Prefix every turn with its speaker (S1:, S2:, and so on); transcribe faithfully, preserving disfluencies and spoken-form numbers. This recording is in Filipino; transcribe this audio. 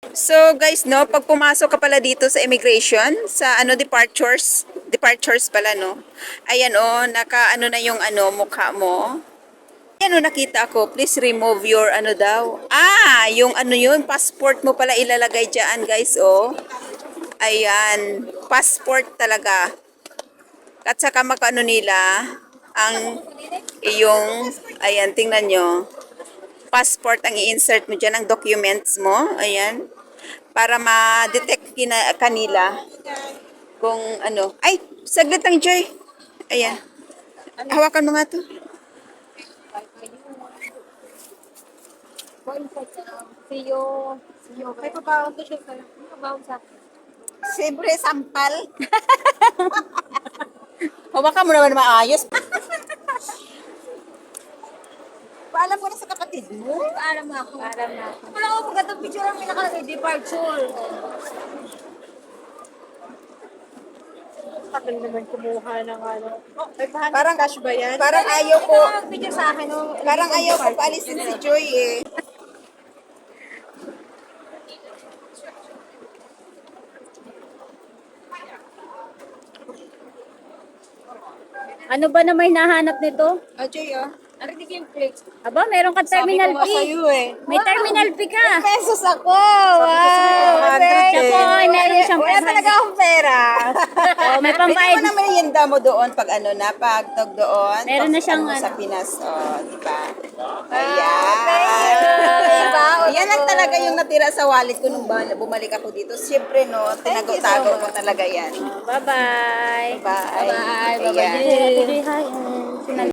S1: So guys, no, pag pumasok ka pala dito sa immigration, sa ano departures, departures pala no. Ayan oh, naka ano na yung ano mukha mo. Ayan oh, nakita ko, please remove your ano daw. Ah, yung ano yun, passport mo pala ilalagay diyan, guys, oh. Ayan, passport talaga. At saka makano nila ang iyong, ayan, tingnan nyo. Passport ang i-insert mo dyan, ang documents mo. Ayan. Para ma-detect kina, kanila kung ano. Ay, saglit lang, Joy. Ayan. Hawakan mo nga to.
S2: Siyo, siyo. Kaya pabaon to siya. Pabaon sa
S1: Siyempre, sampal. Hawakan mo naman maayos. Paalam ko na sa kapatid mo.
S2: Paalam na ako. Paalam na ako. Wala ko pagkatong picture ang pinakalagay, departure. Tagal naman kumuha ng ano. Oh, may bahan
S1: Parang
S2: cash ba yan?
S1: Parang ayaw ko.
S2: Ito ang picture sa akin. Oh.
S1: Parang ayaw ko paalisin si Joy eh.
S3: Ano ba na may nahanap nito?
S1: Oh, Joy, oh.
S2: Ano di yung plate?
S3: Aba, meron kang terminal
S1: Sabi ko nga
S3: fee.
S1: sa'yo eh.
S3: May terminal fee ka.
S1: Pesos ako. Wow.
S3: Siya po ay meron siyang
S1: Wala talaga akong pera.
S3: Oh, may
S1: Pwede
S3: pambayad.
S1: mo na merienda mo doon pag ano na, pag tog doon.
S3: Meron na
S1: pag
S3: siyang
S1: ano,
S3: ano.
S1: sa Pinas. Oh, di ba?
S3: Ah,
S1: Ayan. Yan lang talaga yung natira sa wallet ko nung ba- bumalik ako dito. Siyempre, no, tinago-tago ko talaga yan.
S3: Bye-bye.
S1: Bye.
S3: Bye-bye.
S1: Ayan.
S3: Bye-bye. Hi.